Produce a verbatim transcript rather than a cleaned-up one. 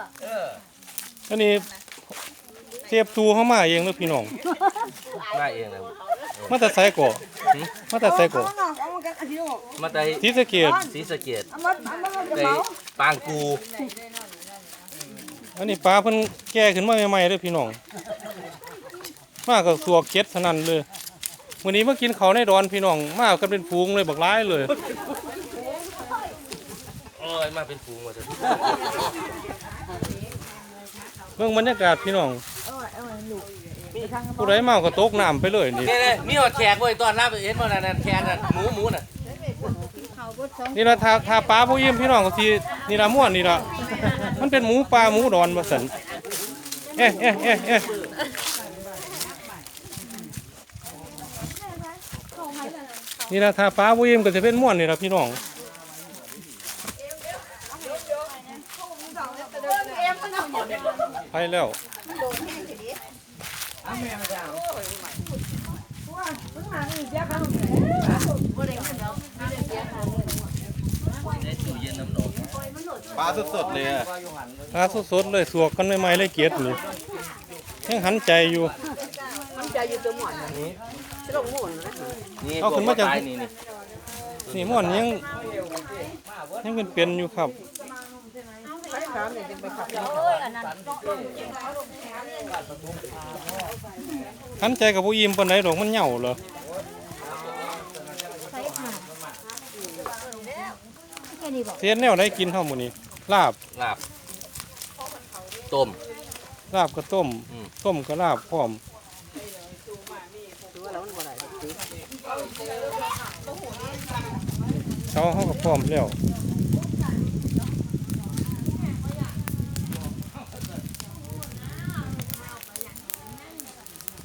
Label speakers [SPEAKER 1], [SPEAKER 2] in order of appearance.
[SPEAKER 1] อันนี้เทียบตูเข้ามาเองเลยพี่น้อง
[SPEAKER 2] มาเองเลย
[SPEAKER 1] มาแต่ไซก่อมาแต่ไซก่อ
[SPEAKER 2] มาแต่
[SPEAKER 1] ศรีสะเกษ
[SPEAKER 2] ศรีสะเกษไปปางกู
[SPEAKER 1] อันนี้ปลาเพิ่นแก่ขึ้นมาใหม่ๆเลยพี่น้องมากับสัวเก็ดเท่านั้นเลยวันนี้มากินเขาในดอนพี่น้องมากันเป็นฟูงเลยบักร้ายเลย
[SPEAKER 2] โอ้ยมาเป็นฟูงมาเถอะ
[SPEAKER 1] เบิ่งบรรยากาศพี่น้องผู้ใดเมาก็ตกน้ำไปเลยนี่
[SPEAKER 2] นี่เลยมีหอดแขกเว้ยตอนรับเห็นบ่นั่นแขกนั่นหมูหมูน่ะ
[SPEAKER 1] นี่ละทาทาปลาผู้ยิ้มพี่น้องก็สินี่ละม่วนนี่ละมันเป็นหมูปลาหมูดอนว่าซั่นเอ๊ะเอ๊ะเอ๊ะเอ๊ะนี่ละทาปลาผู้ยิ้มก็จะเป็นม่วนนี่ละพี่น้องไปแล้ว
[SPEAKER 3] ปลาสดๆเลยอ่ะ
[SPEAKER 1] ปลาสดๆเลยสวกกันใหม่ๆเลยเกียดนี่ยังหันใจอยู่
[SPEAKER 4] มันจะอยู่ตัวหมอนนี้จะลงหมุนนะ
[SPEAKER 2] นี่
[SPEAKER 1] เอาขึ้นมาจาก
[SPEAKER 2] พวกปลนี่นี่
[SPEAKER 1] นี่ม่วนยังยังเป็นเป็นอยู่ครับ
[SPEAKER 4] ใช้น้ำเนี่ยจะไปขับ
[SPEAKER 1] หันใจกับผู้ยิ้มปานไหนดอกมันเหย่าเหรอเทียนแนวได้กินเท่าหมูนี้ลาบ
[SPEAKER 2] ลาบต้ม
[SPEAKER 1] ลาบก็ต้ม
[SPEAKER 2] อืม
[SPEAKER 1] ต้มก็ลาบพร้อมเช้าเขาก็พร้อมแล้ว